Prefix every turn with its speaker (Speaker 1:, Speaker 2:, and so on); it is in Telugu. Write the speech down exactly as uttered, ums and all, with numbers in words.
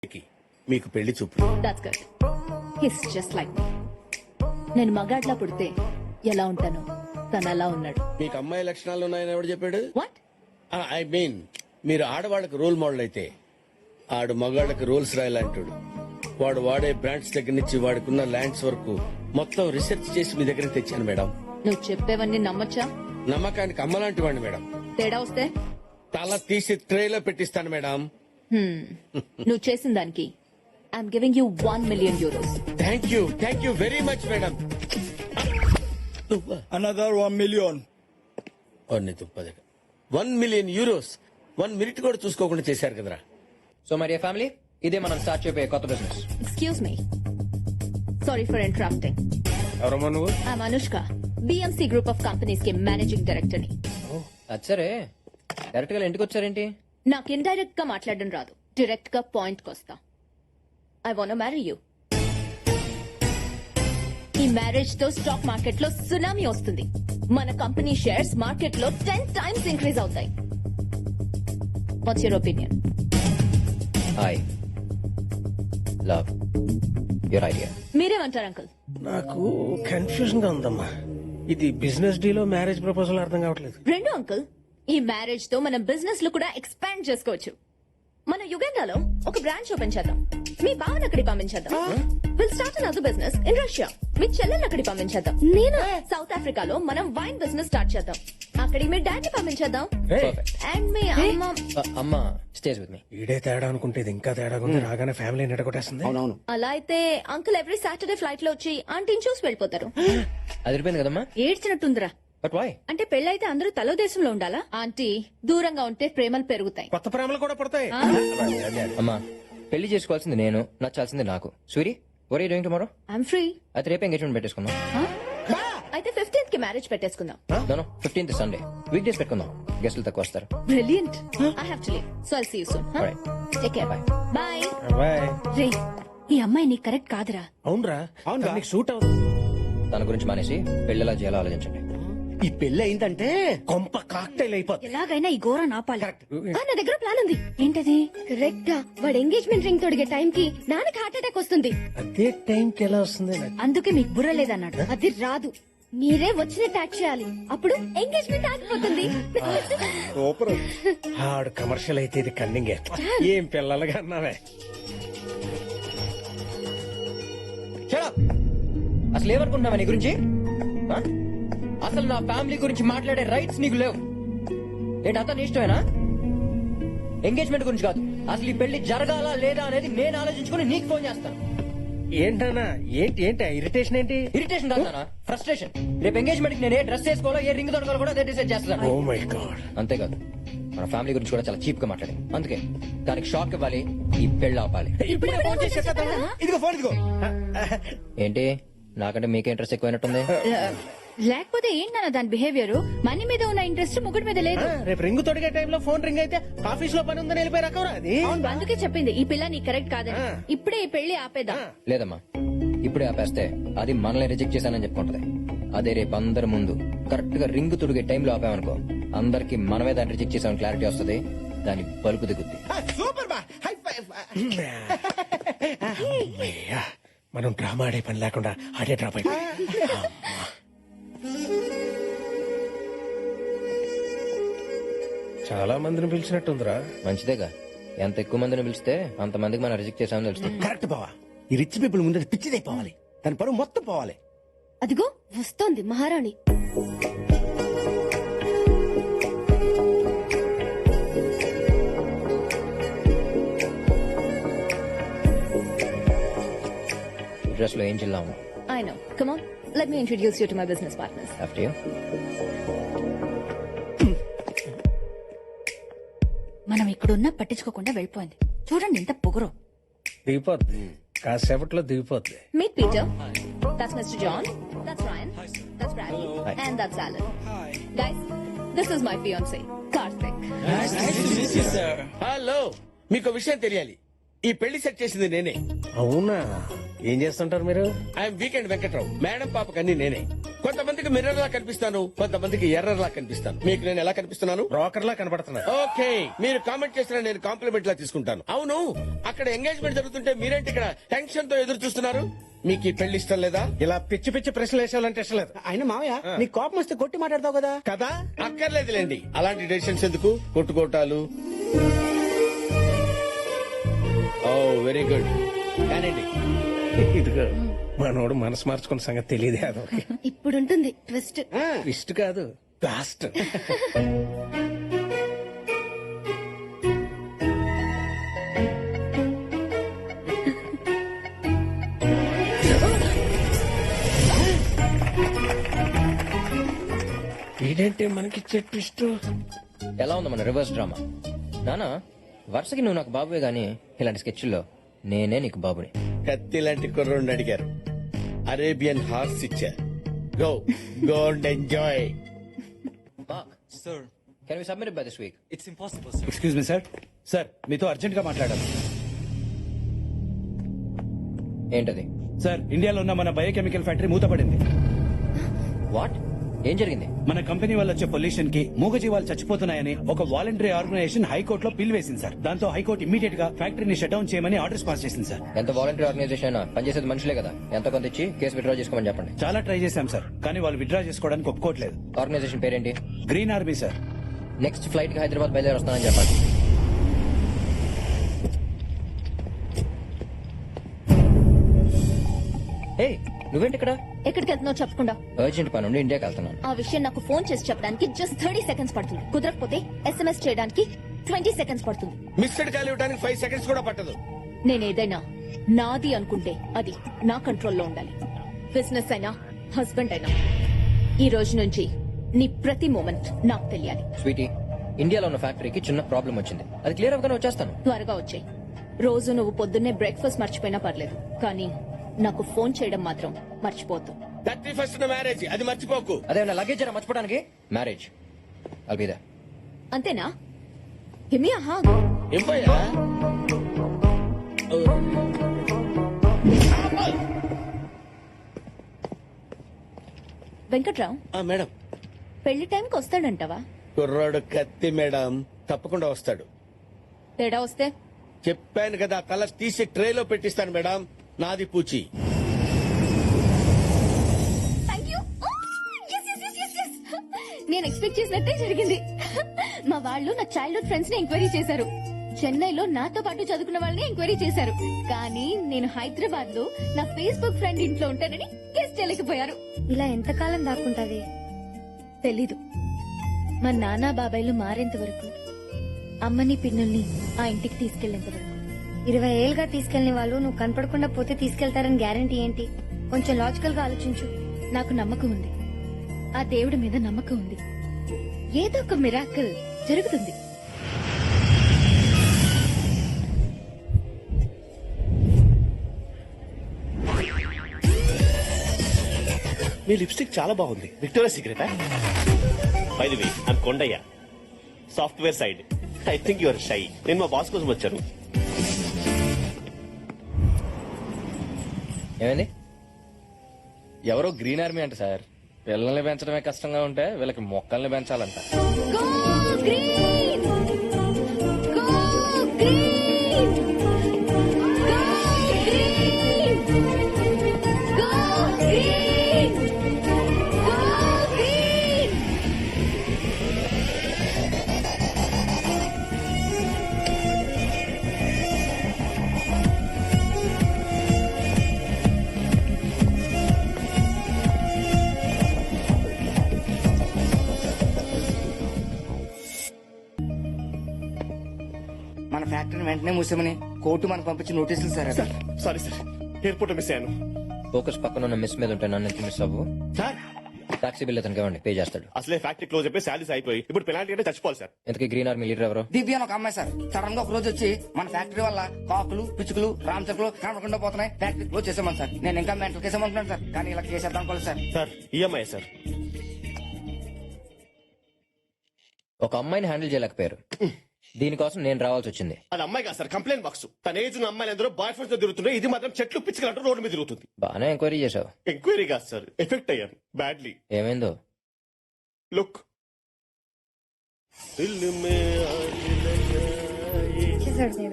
Speaker 1: మీకు పెళ్లి చూపు.
Speaker 2: That's good. He's just like me. నేను మగాడ్లా పుడితే ఎలా ఉంటాను, తను అలా ఉన్నాడు.
Speaker 1: మీకు అమ్మాయి లక్షణాలు ఉన్నాయని ఎవడు చెప్పాడు?
Speaker 2: వాట్?
Speaker 1: ఐ మీన్ మీరు ఆడవాళ్ళకి రోల్ మోడల్ అయితే ఆడు మగాళ్ళకి రోల్స్ రాయాలంటాడు. వాడు వాడే బ్రాండ్స్ దగ్గర నుంచి వాడుకున్న ల్యాండ్స్ వరకు మొత్తం రీసెర్చ్ చేసి మీ దగ్గర తెచ్చాను మేడం.
Speaker 2: నువ్వు చెప్పేవన్నీ నమ్మొచ్చా?
Speaker 1: నమ్మకానికి అమ్మలాంటి వాడిని మేడం.
Speaker 2: తేడా వస్తే
Speaker 1: తల తీసి ట్రేలో పెట్టిస్తాను మేడం.
Speaker 2: హ్మ్. నువ్వు చేసిన దానికి I'm giving you one million euros.
Speaker 1: Thank you thank you very much madam.
Speaker 3: Another one million.
Speaker 1: One million euros one minute కూడా చూసుకోకుండా చేశారు కదరా.
Speaker 4: సో మరి ఫ్యామిలీ, ఇదే మనం స్టార్ట్ చేయబోయే కొత్త business.
Speaker 2: Excuse me, sorry for interrupting.
Speaker 3: ఎవరమ్మా నువ్వు?
Speaker 2: I'm Anushka, BMC group of companies కి మేనేజింగ్ డైరెక్టర్ ని.
Speaker 4: అది సరే, డైరెక్ట్ గా ఇంటికి వచ్చారేంటి?
Speaker 2: నాకు ఇండైరెక్ట్ గా మాట్లాడడం రాదు, డైరెక్ట్ గా పాయింట్ కొస్తా. I want marry you. ఈ మ్యారేజ్ తో స్టాక్ మార్కెట్ లో సునామీ వస్తుంది. మన కంపెనీ షేర్స్ మార్కెట్ లో టెన్ టైమ్స్ ఇంక్రీజ్ అవుతాయి. What's your opinion?
Speaker 4: I love your idea.
Speaker 2: మీరేమంటారు అంకుల్?
Speaker 5: నాకు కన్ఫ్యూజన్ గా ఉందమ్మా. ఇది బిజినెస్ డీలో మ్యారేజ్ ప్రపోజల్ అర్థం కావట్లేదు.
Speaker 2: రెండు అంకుల్, ఈ మ్యారేజ్ తో మనం బిజినెస్ లో కూడా ఎక్స్పాండ్ చేసుకోవచ్చు. మన యుగండాలో ఒక బ్రాంచ్ ఓపెన్ చేద్దాం. మీ బావన్ అక్కడికి పంపించేద్దాం. Will start another business in Russia. మీ చెల్లెల్ని అక్కడికి పంపించేద్దాం. నేను సౌత్ ఆఫ్రికాలో మనం వైన్ బిజినెస్ స్టార్ట్ చేద్దాం. అక్కడికి మీ డాడీ పంపించేద్దాం. అండ్ మీ అమ్మ
Speaker 4: అమ్మ స్టేజ్ విత్ మీ.
Speaker 5: ఈడే తేడా అనుకుంటే ఇది ఇంకా తేడా ఉంది. రాగానే ఫ్యామిలీ నిడగొట్టేస్తుంది.
Speaker 3: అవునవును.
Speaker 2: అలా అయితే అంకుల్ ఎవ్రీ సాటర్డే ఫ్లైట్ లో వచ్చి ఆంటీని చూసి వెళ్ళిపోతారు.
Speaker 4: అది అయిపోయింది కదమ్మా.
Speaker 2: ఏడ్చినట్టుందిరా.
Speaker 4: But why?
Speaker 2: అంటే పెళ్ళైతే అందరూ తలో దేశంలో ఉండాలా? ఆంటీ, దూరంగా ఉంటే ప్రేమలు పెరుగుతాయి.
Speaker 5: కొత్త ప్రేమలు కూడా పడతాయి.
Speaker 4: అమ్మా, పెళ్లి చేసుకోవాల్సింది నేను, నచ్చాల్సింది నాకు. Suri, were you doing tomorrow?
Speaker 2: I'm free.
Speaker 4: అయితే రేపు ఎంగేజ్మెంట్ పెట్టేసుకుందాం.
Speaker 2: అయితే ఫిఫ్టీన్త్ కి మ్యారేజ్ పెట్టేసుకుందాం.
Speaker 4: No, fifteenth Sunday weekdays పెట్టుకుందాం. గెస్టులు తక్కువ వస్తారు.
Speaker 2: Brilliant. I have to leave, so I'll see you soon.
Speaker 4: Alright.
Speaker 2: Take care. Bye bye.
Speaker 5: Bye.
Speaker 2: రే, ఈ అమ్మాయి నీకు కరెక్ట్ కాదురా.
Speaker 5: అవునరా?
Speaker 3: అవునురా.
Speaker 5: నీకు సూట్ అవుతుంది.
Speaker 4: తన గురించి మానేసి పెళ్లిలా చేయాలో ఆలోచించండి.
Speaker 3: ఈ పెళ్లి అయిందంటే
Speaker 5: కొంప కాక్టైల్ అయిపోతుంది.
Speaker 2: ఎలాగైనా ఈ ఘోరం ఆపాలి. ఆ, నా దగ్గర ప్లాన్ ఉంది. ఏంటది? కరెక్ట్ గా వాడు ఎంగేజ్మెంట్ రింగ్ తొడిగే టైం కి నాన్నకి హార్ట్ అటాక్ వస్తుంది.
Speaker 5: అదే టైం కి ఎలా వస్తుంది?
Speaker 2: అందుకే మీకు బుర్ర లేదన్నాడు. అది రాదు, మీరే వచ్చినట్టు యాక్ట్ చేయాలి. అప్పుడు ఎంగేజ్మెంట్ ఆగిపోతుంది.
Speaker 3: సూపర్.
Speaker 5: ఆడు కమర్షియల్ అయితే ఇది కన్నింగే. ఏం పిల్లలుగా అన్నావే.
Speaker 4: Shut up! అసలు ఏమనుకుంటున్నావా నీ గురించి? ఆ? అసలు నా ఫ్యామిలీ గురించి మాట్లాడే రైట్స్ నీకు లేవు. ఏంటి అతని ఇష్టమేనా? ఎంగేజ్మెంట్ గురించి కాదు, అసలు ఈ పెళ్లి జరగాలా లేదా అనేది నేను ఆలోచించుకుని నీకు ఫోన్ చేస్తాను.
Speaker 5: ఏంటన్నా? ఏంటి ఏంటి ఇరిటేషన్ ఏంటి?
Speaker 4: ఇరిటేషన్ కాదా, ఫ్రస్ట్రేషన్. రేపు ఎంగేజ్మెంట్ కి నేను ఏ డ్రెస్ వేసుకోవాలో, ఏ రింగ్ దొరకాలో కూడా అదే డిసైడ్ చేస్తాను.
Speaker 5: Oh my god.
Speaker 4: అంతేకాదు, మన ఫ్యామిలీ గురించి కూడా చాలా చీప్ గా మాట్లాడి, అందుకే దానికి షాక్ ఇవ్వాలి, ఈ పెళ్లి ఆపాలి.
Speaker 3: ఇప్పుడే ఫోన్ చేసి చెప్పేద్దామా? ఇదిగో ఫోన్ ఇదిగో.
Speaker 4: ఏంటి నాకంటే మీకే ఇంట్రెస్ట్ ఎక్కువైనట్టుంది?
Speaker 2: లేకపోతే ఏంటన్న దాని బిహేవియర్? మనీ మీద ఉన్న ఇంట్రెస్ట్ ముగ్గురు మీద లేదు.
Speaker 5: రేపు రింగ్ తొడిగే టైంలో ఫోన్ రింగ్ అయితే ఆఫీస్ లో పని ఉందని వెళ్ళిపోయి రకరా అది.
Speaker 2: అందుకే చెప్పింది ఈ పిల్ల నీ కరెక్ట్ కాదని. ఇప్పుడే ఈ పెళ్లి ఆపేద్దాం.
Speaker 4: లేదమ్మా, ఇప్పుడే ఆపేస్తే అది మనల్ని రిజెక్ట్ చేశానని చెప్పుకుంటది. అదే రేపు అందరి ముందు కరెక్ట్ గా రింగ్ తుడిగే టైంలో ఆపామనుకో, అందరికి మనమే దాన్ని రిజెక్ట్ చేసామని క్లారిటీ వస్తుంది. దాని బలుపు దిగుద్ది.
Speaker 3: సూపర్ బా. High five.
Speaker 5: అమ్మయ్యా, మనం డ్రామా ఆడే పని లేకుండా ఆడే డ్రాప్ అయిపోయి. చాలా మందిని పిలిచినట్టుందిరా.
Speaker 4: మంచిదేగా, ఎంత ఎక్కువ మందిని పిలిస్తే అంత మందికి మనం రిజెక్ట్ చేసామని తెలుస్తుంది.
Speaker 3: కరెక్ట్ బావా. ఈ రిచ్ పీపుల్ ముందు పిచ్చిదైపోవాలి, దాని పరువు మొత్తం పోవాలి.
Speaker 2: అదిగో వస్తోంది మహారాణి.
Speaker 4: డ్రెస్ లో ఏం చిల్లాము.
Speaker 2: I know. Come on, let me introduce you to my business partners.
Speaker 4: After you.
Speaker 2: మనం ఇక్కడున్నా పట్టించుకోకుండా వెళ్ళిపోయింది. చూడండి ఎంత పొగరు.
Speaker 5: దిగిపోద్ది, కాసేపట్లో దిగిపోద్ది.
Speaker 2: Meet Peter. That's Mister John. That's Ryan. That's Bradley. And that's Alan. Guys, this is my fiance, Karthik.
Speaker 1: Hello, మీకు విషయం తెలియాలి. ఈ పెళ్లి సెట్ చేసింది నేనే.
Speaker 5: అవునా? ఏం చేస్తుంటారు మీరు?
Speaker 1: I'm weekend Venkatrao. మేడం పాపకి అన్ని నేనే. కొంతమందికి మిర్రర్ లా కనిపిస్తాను, కొంతమందికి ఎర్రర్ లా కనిపిస్తాను. మీకు నేను ఎలా కనిపిస్తున్నాను?
Speaker 5: బ్రోకర్ లా కనబడుతున్నా.
Speaker 1: ఓకే, మీరు కామెంట్ చేసిన నేను కాంప్లిమెంట్ లా తీసుకుంటాను. అవును, అక్కడ ఎంగేజ్మెంట్ జరుగుతుంటే మీరేంటి ఇక్కడ టెన్షన్ తో ఎదురు చూస్తున్నారు? మీకు ఈ పెళ్లి ఇష్టం లేదా?
Speaker 5: ఇలా పిచ్చి పిచ్చి ప్రశ్నలు వేసేయాలంటే ఇష్టం లేదు
Speaker 3: ఆయన మావయ్య నీ కోపం వస్తే కొట్టి మాట్లాడతావు కదా.
Speaker 5: కదా.
Speaker 1: అక్కర్లేదులేండి, అలాంటి డెసిషన్స్ ఎందుకు? కొట్టుకోటాలు. Oh very good. కానండి.
Speaker 5: ఇదిగో మనోడు మనసు మార్చుకున్న సంగతి తెలియదు అదొక
Speaker 2: ఇప్పుడుంటుంది ట్విస్ట్.
Speaker 5: ఇష్ట కాదు, లాస్ట్. ఏంటంటే మనకి ట్విస్ట్.
Speaker 4: ఎలా ఉంది మన రివర్స్ డ్రామా? నానా వరుసకి నువ్వు నాకు బాబువే గానీ ఇలాంటి స్కెచ్ల్లో నేనే నీకు బాబుని.
Speaker 1: కత్తి లాంటి కుర్రోడిని అడిగారు, అరేబియన్ హార్స్ ఇచ్చారు. Go go and enjoy.
Speaker 6: Sir
Speaker 4: can we submit by this week?
Speaker 6: It's impossible sir.
Speaker 3: Excuse me sir. Sir మీతో అర్జెంట్ గా మాట్లాడాలి.
Speaker 4: ఏంటది?
Speaker 3: సార్ ఇండియాలో ఉన్న మన బయోకెమికల్ ఫ్యాక్టరీ మూతపడింది.
Speaker 4: వాట్? ఏం జరిగింది?
Speaker 3: మన కంపెనీ వల్ల వచ్చే పొల్యూషన్ కి మూగజీవాలు చచ్చిపోతున్నాయని ఒక వాలంటరీ ఆర్గనైజేషన్ హైకోర్టులో పిల్ వేసింది సార్. దాంతో హైకోర్టు ఇమీడియట్ గా ఫ్యాక్టరీని షట్ డౌన్ చేయమని ఆర్డర్స్ పాస్ చేసింది సార్.
Speaker 4: ఎంత వాలంటీర్ ఆర్గనైజేషన్ అయినా పనిచేసేది మనుషులే కదా. ఎంత కొంత ఇచ్చి కేసు విత్డ్రా చేసుకోమని చెప్పండి.
Speaker 3: చాలా ట్రై చేశాం సార్, కానీ వాళ్ళు విత్డ్రా చేసుకోవడానికి ఒప్పుకోవట్లేదు.
Speaker 4: ఆర్గనైజేషన్ పేరేంటి?
Speaker 3: Green army sir.
Speaker 4: Next flight కి హైదరాబాద్ బయలుదేరి వస్తానని చెప్పండి. హే, నువ్వేంటి ఇక్కడ?
Speaker 2: ఎక్కడికి వెళ్తున్నావు చెప్పకుండా?
Speaker 4: అర్జెంట్ పని ఉండి ఇండియాకి వెళ్తున్నాను.
Speaker 2: ఆ విషయం నాకు ఫోన్ చేసి చెప్పడానికి జస్ట్ థర్టీ సెకండ్స్ పడుతుంది. కుదరకపోతే ఎస్ఎంఎస్ చేయడానికి ట్వంటీ సెకండ్స్ పడుతుంది.
Speaker 1: మిస్డ్ కాల్ ఇవ్వడానికి ఫైవ్ సెకండ్స్ కూడా పట్టదు.
Speaker 2: నేనేదైనా నాది అనుకుంటే అది నా కంట్రోల్లో ఉండాలి. బిజినెస్ అయినా హస్బెండ్ అయినా ఈ రోజు నుంచి నీ ప్రతి మూమెంట్ నాకు తెలియాలి.
Speaker 4: స్వీటీ, ఇండియాలో ఉన్న ఫ్యాక్టరీకి చిన్న ప్రాబ్లం వచ్చింది. అది క్లియర్ అవగానే వచ్చేస్తాను.
Speaker 2: త్వరగా వచ్చాయి. రోజు నువ్వు పొద్దున్నే బ్రేక్ఫాస్ట్ మర్చిపోయినా పర్లేదు, కానీ నాకు ఫోన్ చేయడం మాత్రం మర్చిపోతు.
Speaker 1: థర్టీ ఫస్ట్ మ్యారేజ్, అది మర్చిపోకు.
Speaker 4: అదే నా లగేజ్ అయినా మర్చిపోవడానికి. మ్యారేజ్ అల్బిదా.
Speaker 2: అంతేనా? హిమి ఆహా.
Speaker 1: ఇవ్వయా?
Speaker 2: వెంకట్రావు,
Speaker 1: ఆ, మేడం.
Speaker 2: పెళ్లి టైంకి వస్తాడంటావా?
Speaker 1: కుర్రాడు కత్తి మేడం, తప్పకుండా వస్తాడు.
Speaker 2: తేడా వస్తే
Speaker 1: చెప్పాను కదా, తల తీసి ట్రేలో పెట్టిస్తాను మేడం. నాది పూచి.
Speaker 2: నేను ఎక్స్పెక్ట్ చేసినట్టే జరిగింది. మా వాళ్ళు నా చైల్డ్హుడ్ ఫ్రెండ్స్ ని ఎంక్వైరీ చేశారు. చెన్నైలో నాతో పాటు చదువుకున్న వాళ్ళని ఎంక్వైరీ చేశారు. కానీ నేను హైదరాబాద్ లో నా ఫేస్బుక్ ఫ్రెండ్ ఇంట్లో ఉంటానని గెస్ట్ చేయలేకపోయారు.
Speaker 7: ఇలా ఎంతకాలం దాక్కుంటాది?
Speaker 2: తెలీదు. మా నాన్న బాబాయ్లు మారేంత వరకు, అమ్మని పిన్నుల్ని ఆ ఇంటికి తీసుకెళ్లేంత వరకు.
Speaker 7: ఇరవై ఏళ్ళుగా తీసుకెళ్లిన వాళ్ళు నువ్వు కనపడకుండా పోతే తీసుకెళ్తారని గ్యారంటీ ఏంటి? కొంచెం లాజికల్ గా ఆలోచించు.
Speaker 2: నాకు నమ్మకం ఉంది, ఆ దేవుడి మీద నమ్మకం ఉంది. ఏదో ఒక మిరాకిల్ జరుగుతుంది.
Speaker 3: మీ లిప్స్టిక్ చాలా బాగుంది. విక్టోరియా సీక్రెటా?
Speaker 8: By the way I'm Kondaiah, software side. I think your shy. నేను మా బాస్ కోసం వచ్చాను.
Speaker 4: ఏమైంది?
Speaker 9: ఎవరో గ్రీన్ ఆర్మీ అంట సార్. పిల్లల్ని పెంచడమే కష్టంగా ఉంటే వీళ్ళకి మొక్కల్ని పెంచాలంట.
Speaker 2: Go green! Go green! Go green! Go green! Go green!
Speaker 10: మన ఫ్యాక్టరీని వెంటనే మూసామని కోర్టు మనకు పంపించిన నోటీసులు సార్ అవి.
Speaker 8: సారీ సార్, ఎయిర్పోర్ట్ మిస్ అయ్యాను.
Speaker 4: ఫోకస్ పక్కన ఉన్న మిస్ మీద ఉంటే నన్ను ఎంత మిస్ అవ్వు.
Speaker 8: సార్
Speaker 4: టాక్సీ బిల్ అతనికి ఇవ్వండి, పే చేస్తాడు.
Speaker 8: అసలే ఫ్యాక్టరీ క్లోజ్ అయిపోయి శాలరీస్ అయిపోయి ఇప్పుడు పెనాల్టీ అంటే చచ్చిపోవాలి సార్.
Speaker 4: ఎంతకీ గ్రీన్ ఆర్మీ లీడర్ ఎవరు?
Speaker 10: దివ్య అని ఒక అమ్మాయి సార్. సడన్ గా ఒక రోజు వచ్చి మన ఫ్యాక్టరీ వల్ల కాకులు పిచ్చుకలు రామచకులు కనపడకుండా పోతున్నాయి, ఫ్యాక్టరీ క్లోజ్ చేసామని సార్. నేను ఇంకా మెంటల్ కేసేమంటున్నాను సార్, కానీ ఇలా కేసేద్దాం అనుకోలేదు సార్.
Speaker 8: Sir EMI sir.
Speaker 4: ఒక అమ్మాయిని హ్యాండిల్ చేయలేకపోయారు. దీనికోసం నేను రావాల్సి వచ్చింది.
Speaker 8: అది అమ్మాయి కాదు సార్, కంప్లైంట్ బాక్స్. తన ఏజ్ ఉన్న అమ్మాయిలు అందరూ బాయ్ ఫ్రెండ్స్ తో తిరుగుతున్నాయి, ఇది మాత్రం చెట్లు పిచ్చుకలంటూ రోడ్డు మీద తిరుగుతుంది.
Speaker 4: బాగానే ఎంక్వైరీ చేసావు.
Speaker 8: ఎంక్వైరీ కాదు సార్, ఎఫెక్ట్ అయ్యాను బ్యాడ్లీ.
Speaker 4: ఏమైందో?
Speaker 8: లుక్ దిల్ మే ఆ దిల్
Speaker 7: చేసాడు